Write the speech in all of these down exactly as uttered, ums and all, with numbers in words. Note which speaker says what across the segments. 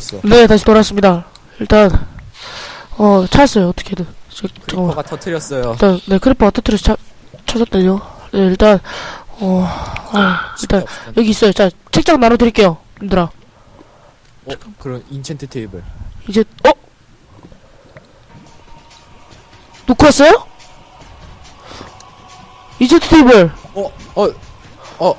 Speaker 1: 돌아왔어.
Speaker 2: 네, 다시 돌아왔습니다. 일단 어 찾았어요. 어떻게든. 저, 잠깐만.
Speaker 1: 크리퍼가 터트렸어요.
Speaker 2: 일단 네 크리퍼 터트려서 찾 찾았다요. 네, 일단 어, 어 일단 여기 있어요. 자, 책장 나눠드릴게요, 님들아.
Speaker 1: 어, 그런 인챈트 테이블.
Speaker 2: 이제 어 놓고 왔어요? 이제 테이블.
Speaker 1: 어, 어, 어.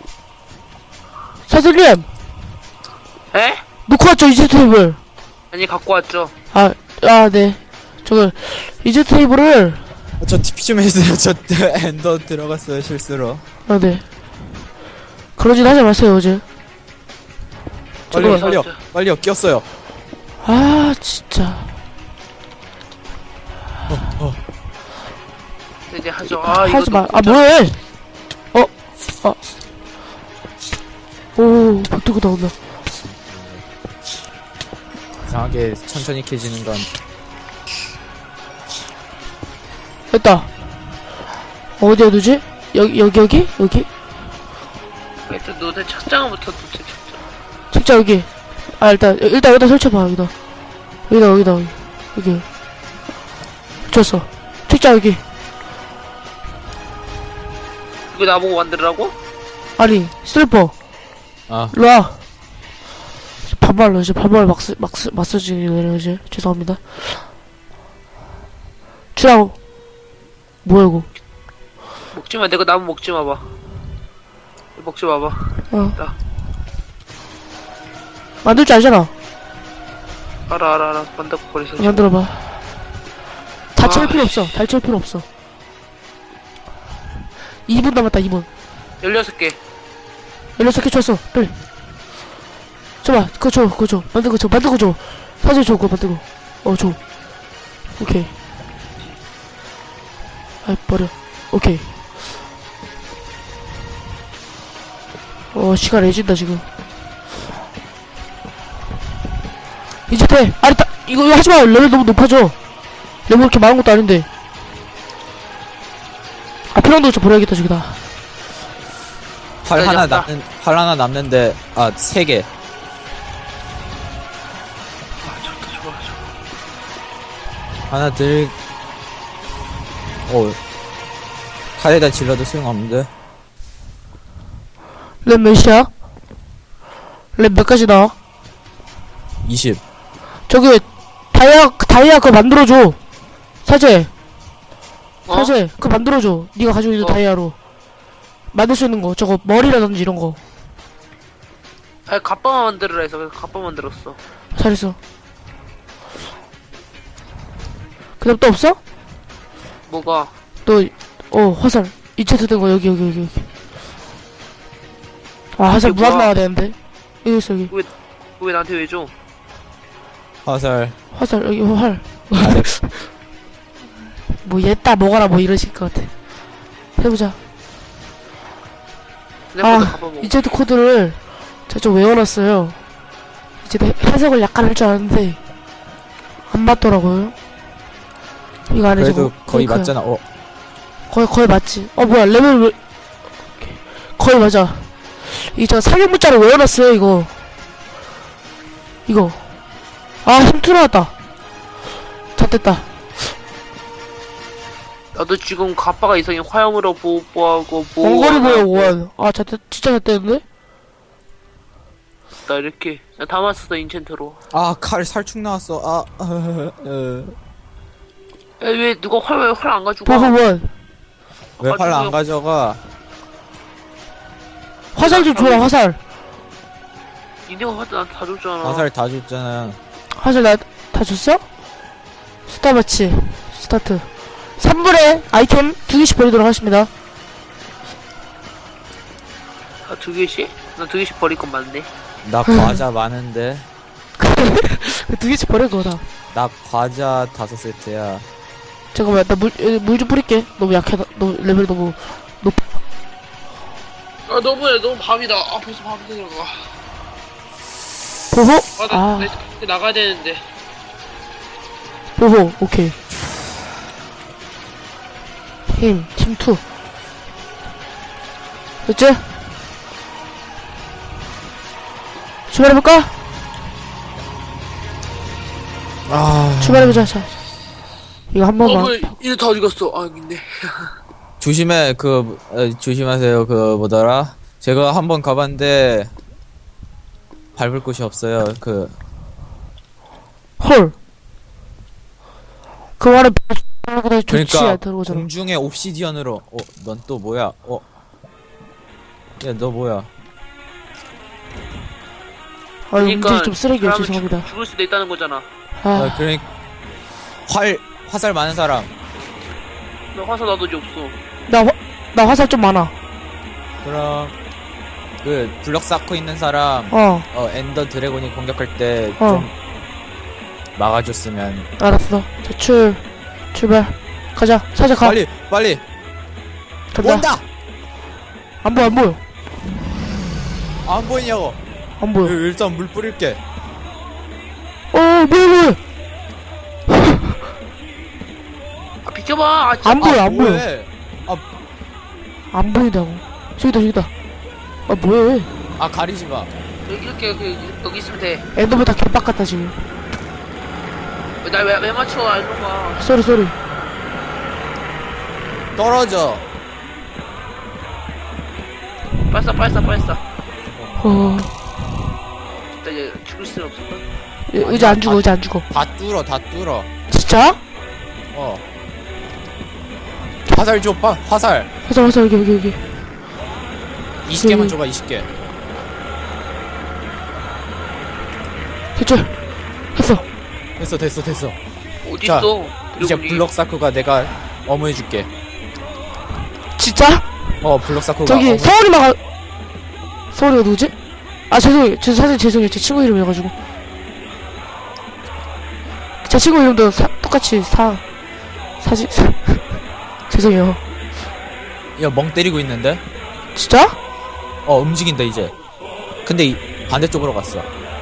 Speaker 2: 사장님
Speaker 3: 에?
Speaker 2: 놓고 왔죠, 이제 테이블.
Speaker 3: 아니 갖고 왔죠.
Speaker 2: 아, 아, 네. 저거 이제 테이블을
Speaker 1: 저 티피 좀 해주세요. 저 엔더 들어갔어요 실수로.
Speaker 2: 아, 네. 그러진 하지 마세요, 어제.
Speaker 1: 빨리요,
Speaker 3: 저거
Speaker 1: 빨리요,
Speaker 3: 왔어요.
Speaker 1: 빨리요. 꼈어요.
Speaker 2: 아, 진짜.
Speaker 3: 이제 하죠. 아 이거
Speaker 2: 하지 마.
Speaker 3: 놓고
Speaker 2: 아,
Speaker 3: 자-
Speaker 2: 뭐해? 어, 아. 오, 박두고 나온다.
Speaker 1: 이상하게 천천히 캐지는 건
Speaker 2: 됐다. 어디에 두지? 여기, 여기, 여기? 여기?
Speaker 3: 일단 너네 책장부터 놓지 책장.
Speaker 2: 책자 여기. 아, 일단, 일단 여기다 설치해봐, 여기다. 여기다, 여기다, 여기. 여기. 붙였어. 책자 여기.
Speaker 3: 이거 나보고 만들으라고?
Speaker 2: 아니, 슬리퍼.
Speaker 1: 아,
Speaker 2: 일로와. 반말로, 이제 반말 막스, 막스, 마사지네요, 이제. 죄송합니다. 주라고. 뭐야, 이거.
Speaker 3: 먹지마. 내가 나무 먹지 마봐. 먹지 마봐.
Speaker 2: 어.
Speaker 3: 야.
Speaker 2: 만들 줄 알잖아.
Speaker 3: 알아 알아 알아. 만들고 버리서.
Speaker 2: 만들어봐. 다 채울
Speaker 3: 아,
Speaker 2: 필요 없어. 다 채울 필요 없어. 이 분 남았다, 이 분.
Speaker 3: 열여섯 개.
Speaker 2: 열여섯 개 줬어. 빨리. 줘봐. 그거 줘. 그거 줘. 만든 거 줘. 만든 거 줘. 사진 줘. 그거 만든 거. 어, 줘. 오케이. 아이, 버려. 오케이. 어, 시간 애진다, 지금. 이제 돼. 아니, 따, 이거, 이거 하지 마. 레벨 너무 높아져. 레벨 그렇게 많은 것도 아닌데. 아, 필요한 좀 버려야겠다, 저기다.
Speaker 1: 활
Speaker 3: 네,
Speaker 1: 하나
Speaker 3: 됐다.
Speaker 1: 남는 활 하나 남는데 아 세 개.
Speaker 3: 아 좋다 좋아 좋아.
Speaker 1: 하나 들. 어. 칼에다 질러도 소용없는데.
Speaker 2: 랩 몇이야? 랩 몇 가지 나와?
Speaker 1: 이십.
Speaker 2: 저기 다이아 다이아 그거 만들어줘. 사제
Speaker 3: 어?
Speaker 2: 사제 그거 만들어줘. 네가 가지고 있는
Speaker 3: 어.
Speaker 2: 다이아로 만들 수 있는 거. 저거 머리라든지 이런 거.
Speaker 3: 아니 갑바만 만들으라 해서 그래서 갑바 만들었어.
Speaker 2: 잘했어. 그다음 또 없어?
Speaker 3: 뭐가?
Speaker 2: 또 어 화살 이체트 된 거 여기 여기 여기 여기. 아 화살
Speaker 3: 이게
Speaker 2: 무한
Speaker 3: 뭐야?
Speaker 2: 나와야 되는데. 여기 있어 여기.
Speaker 3: 왜 나한테 왜 줘?
Speaker 1: 화살.
Speaker 2: 화살 여기 활.
Speaker 1: 아래.
Speaker 2: 뭐 얘따 먹어라 뭐 이러실 것 같아. 해보자.
Speaker 3: 생각보다
Speaker 2: 아,
Speaker 3: 갑바 먹어.
Speaker 2: 이제도 코드를 제가 좀 외워놨어요. 이제 해- 해석을 약간 할 줄 아는데 안 맞더라고요. 이거 안에
Speaker 1: 그래도
Speaker 2: 저거
Speaker 1: 거의
Speaker 2: 페이크야.
Speaker 1: 맞잖아. 어.
Speaker 2: 거의 거의 맞지. 어 뭐야 레벨 왜 거의 맞아. 이저 사격 문자를 외워놨어요 이거. 이거 아 힘투 나왔다. 다 됐다.
Speaker 3: 나도 지금 갑바가 이상해. 화염으로 보호하고 보호.
Speaker 2: 원거리 보여 원. 아 자, 진짜 잘 됐는데?
Speaker 3: 나 이렇게 나 담았었어 인챈트로.
Speaker 1: 아, 칼 살충 나왔어. 아. 어, 어.
Speaker 3: 야, 왜 누가 활활 안 가지고 가?
Speaker 2: 보호 원.
Speaker 1: 왜 활 안 가져가?
Speaker 2: 화살 좀 줘라 화살.
Speaker 3: 니네가 화도 나한테 다 줬잖아.
Speaker 1: 화살 다 줬잖아.
Speaker 2: 화살 나 다 줬어? 스타마치 스타트. 삼 분의 아이템 두 개씩 버리도록 하겠습니다.
Speaker 3: 아, 두 개씩? 나 두 개씩 버릴 건 맞네.
Speaker 1: 나 과자 많은데.
Speaker 2: 두 개씩 버릴 거다.
Speaker 1: 나 과자 다섯 세트야.
Speaker 2: 잠깐만 나 물 물 좀 뿌릴게. 너무 약해. 너무 레벨 너무 높아.
Speaker 3: 아 너무해. 너무 밤이다. 아 벌써 밤이 들어가.
Speaker 2: 보호?
Speaker 3: 아나
Speaker 2: 아
Speaker 3: 나, 나, 나가야 되는데.
Speaker 2: 보호 오케이. 힘 팀 투. 됐지? 출발해볼까?
Speaker 1: 아
Speaker 2: 출발해보자. 자, 이거 한 번만.
Speaker 3: 어, 왜, 이래 다 어디 갔어? 아, 여기 있네.
Speaker 1: 조심해 그 어, 조심하세요. 그 뭐더라? 제가 한번 가봤는데 밟을 곳이 없어요. 그
Speaker 2: 헐. 그 말은 그래 좋지
Speaker 1: 그러니까
Speaker 2: 않다는 거잖아.
Speaker 1: 공중에 옵시디언으로. 어, 넌 또 뭐야? 어, 야 너 뭐야?
Speaker 2: 아, 운전이 좀 쓰레기야.
Speaker 3: 사람은
Speaker 2: 죄송합니다.
Speaker 3: 죽, 죽을 수도 있다는 거잖아.
Speaker 2: 아,
Speaker 1: 아, 그러니 활 화살 많은 사람.
Speaker 3: 나 화사 나도 이제 없어.
Speaker 2: 나, 화, 나 화살 좀 많아.
Speaker 1: 그럼 그 블럭 쌓고 있는 사람
Speaker 2: 어,
Speaker 1: 어 엔더 드래곤이 공격할 때 좀
Speaker 2: 어.
Speaker 1: 막아줬으면.
Speaker 2: 알았어. 자, 출, 출발. 가자. 사자 가.
Speaker 1: 빨리 빨리
Speaker 2: 간다.
Speaker 1: 온다.
Speaker 2: 안 보여, 안 보여.
Speaker 1: 안 보이냐고.
Speaker 2: 안 보여.
Speaker 1: 일- 일단 물 뿌릴게.
Speaker 2: 어, 뭐야, 뭐야.
Speaker 3: 아, 비켜봐! 아, 진짜.
Speaker 2: 안 보여,
Speaker 1: 아,
Speaker 2: 안 보여.
Speaker 1: 뭐해?
Speaker 2: 안 보인다고. 저기다, 저기다. 아, 뭐해.
Speaker 1: 아 가리지 마.
Speaker 3: 여기 이렇게, 여기, 여기 있으면 돼.
Speaker 2: 엔더맨 다 개빡 같다, 지금.
Speaker 3: 날 왜, 왜 맞춰? 아, 이런 거.
Speaker 2: 쏘리, 쏘리.
Speaker 1: 떨어져.
Speaker 3: 빨싸, 빨싸, 빨싸.
Speaker 2: 어,
Speaker 3: 진짜 얘 죽을 수는 없을까?
Speaker 2: 예, 의자 안 죽어, 의자 안 죽어.
Speaker 1: 다 뚫어 다 뚫어.
Speaker 2: 진짜?
Speaker 1: 어. 화살 줘. 빠, 화살.
Speaker 2: 화살, 화살, 여기, 여기, 여기.
Speaker 1: 이십 개만
Speaker 2: 음.
Speaker 1: 줘봐. 이십 개.
Speaker 2: 됐죠? 했어.
Speaker 1: 됐어 됐어 됐어.
Speaker 3: 어딨어?
Speaker 1: 이제
Speaker 3: 드래곤이.
Speaker 1: 블럭 사크가 내가 어머해줄게.
Speaker 2: 진짜?
Speaker 1: 어 블럭 사크가
Speaker 2: 저기,
Speaker 1: 어머.
Speaker 2: 서울이만 가, 서울이가 누구지? 아, 죄송해요. 저 사실 죄송해요. 제 친구 이름이어가지고. 제 친구 이름도 사, 똑같이 사, 사지, 사, 죄송해요.
Speaker 1: 야멍 때리고 있는데?
Speaker 2: 진짜?
Speaker 1: 어 움직인다 이제. 근데 이, 반대쪽으로 갔어.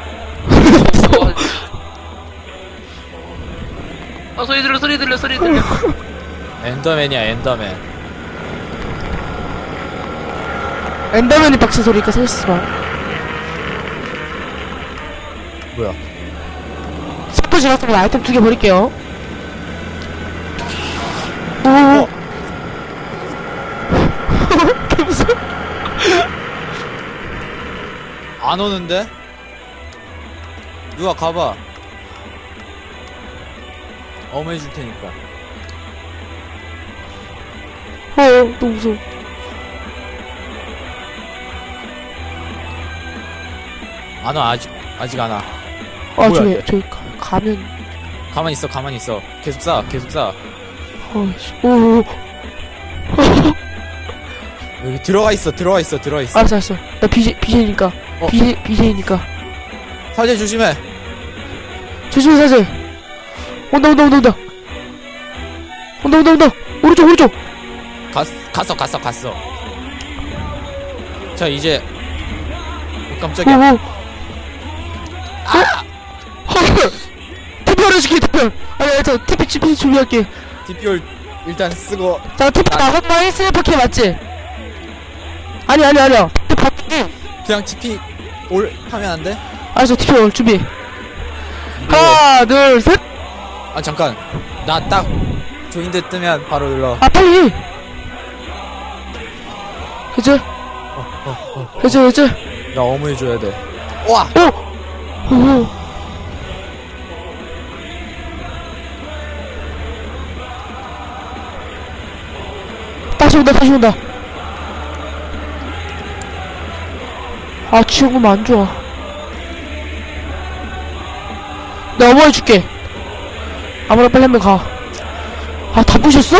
Speaker 3: 아, 소리 들려, 소리 들려, 소리 들려.
Speaker 1: 엔더맨이야 엔더맨.
Speaker 2: 엔더맨이 박친 소리니까 살수 봐.
Speaker 1: 뭐야?
Speaker 2: 속도 지났으면 아이템 두 개 버릴게요. 오.
Speaker 1: 어.
Speaker 2: 개 무서워.
Speaker 1: 안 오는데? 누가 가봐. 어머해줄 테니까.
Speaker 2: 어, 너무 무서워.
Speaker 1: 안 와. 아직 아직 안 와.
Speaker 2: 아,
Speaker 1: 뭐야,
Speaker 2: 저기,
Speaker 1: 이게?
Speaker 2: 저기, 가, 가면,
Speaker 1: 가만히 있어 가만히 있어. 계속 쏴 계속 쏴.
Speaker 2: 어이씨, 오,
Speaker 1: 여기 들어가 있어 들어가 있어 들어가 있어.
Speaker 2: 알았어, 알았어. 나 비제, 비제니까.
Speaker 1: 어.
Speaker 2: 비제, 비제니까.
Speaker 1: 사제 조심해.
Speaker 2: 조심해, 사실. 온다, 온다, 온다, 온다. 온다, 온다, 온다. 오른쪽, 오른쪽.
Speaker 1: 갔 갔어 갔어 갔어. 자 이제. 어,
Speaker 2: 오,
Speaker 1: 깜짝이야.
Speaker 2: 오. 아! 헐! 티피를 해줄게, 티피. 아니, 아니, 저 티피, 티피 준비할게.
Speaker 1: 디피올 일단 쓰고.
Speaker 2: 자, 티피
Speaker 1: 나-
Speaker 2: 나갔다 했으면 밖에 맞지? 아니, 아니, 아니야. 티피 봤지?
Speaker 1: 그냥 티피 올 하면 안 돼?
Speaker 2: 알았어, 티피 올 준비. 하나, 둘, 셋.
Speaker 1: 아 잠깐. 나 딱 조인드 뜨면 바로 눌러.
Speaker 2: 아, 빨리. 그치? 그치, 그치?
Speaker 1: 나 어머해줘야 돼. 와.
Speaker 2: 오! 오! 다시 온다, 다시 온다. 아, 지금 안 좋아. 내가 어머 해줄게. 아무나 빨리 한 명 가. 아, 다 부셨어?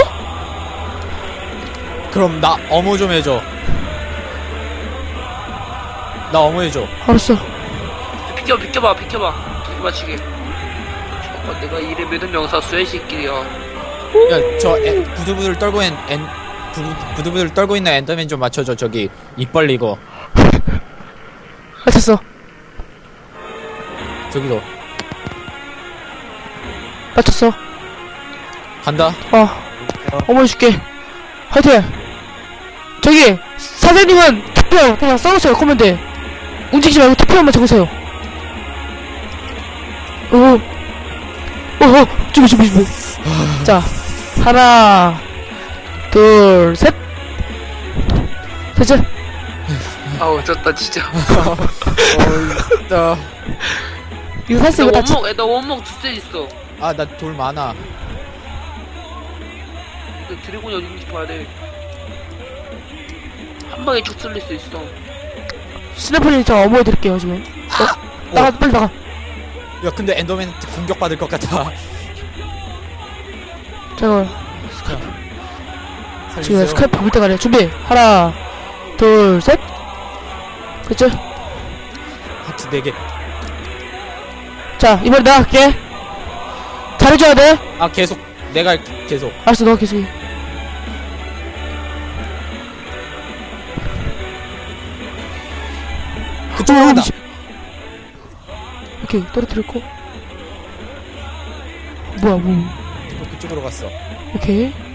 Speaker 1: 그럼 나 어머 좀 해줘. 나 어머 해줘.
Speaker 2: 알았어.
Speaker 3: 비켜, 비켜봐, 비켜봐. 두개 맞추게. 잠깐, 내가 이래 믿은 명사 쇠 새끼야.
Speaker 1: 야저 부들부들 떨고 있는 엔 부들- 부들부들 떨고 있는 엔더맨 좀 맞춰줘. 저기 입 벌리고.
Speaker 2: 아, 됐어.
Speaker 1: 저기도
Speaker 2: 맞췄어.
Speaker 1: 간다.
Speaker 2: 어. 어머 해줄게. 화이팅! 저기, 사장님은 투표 그냥 써놓으세요, 코멘트에. 움직이지 말고 투표만 적으세요. 오. 어, 준비, 준비, 준비. 자, 하나, 둘, 셋. 됐죠?
Speaker 3: 아우 졌다 진짜.
Speaker 1: 어, 있다.
Speaker 2: 이거
Speaker 3: 나
Speaker 2: 사실 이거 다 치-
Speaker 3: 원목 나 원목 두셋 있어.
Speaker 1: 아, 나 돌 많아.
Speaker 3: 근데 드래곤이 어딘지 봐야 돼. 한 방에 쭉 쓸릴 수 있어.
Speaker 2: 스냅플이 저 어머니 드릴게요, 지금. 어? 나가, 빨리 나가.
Speaker 1: 야, 근데 엔더맨 공격받을 것 같아.
Speaker 2: 잠깐, 지금
Speaker 1: 살려주세요.
Speaker 2: 스카이프 볼 때가 아니야. 준비. 하나, 둘, 셋. 됐죠?
Speaker 1: 하트 네 개.
Speaker 2: 자, 이번에 내가 할게. 잘해줘야 돼.
Speaker 1: 아, 계속. 내가 할게, 계속.
Speaker 2: 알았어, 너가 계속 해.
Speaker 1: 그쪽으로 간다.
Speaker 2: 오케이, 떨어뜨렸고. 뭐야, 뭐.
Speaker 1: 그쪽으로 갔어.
Speaker 2: 오케이.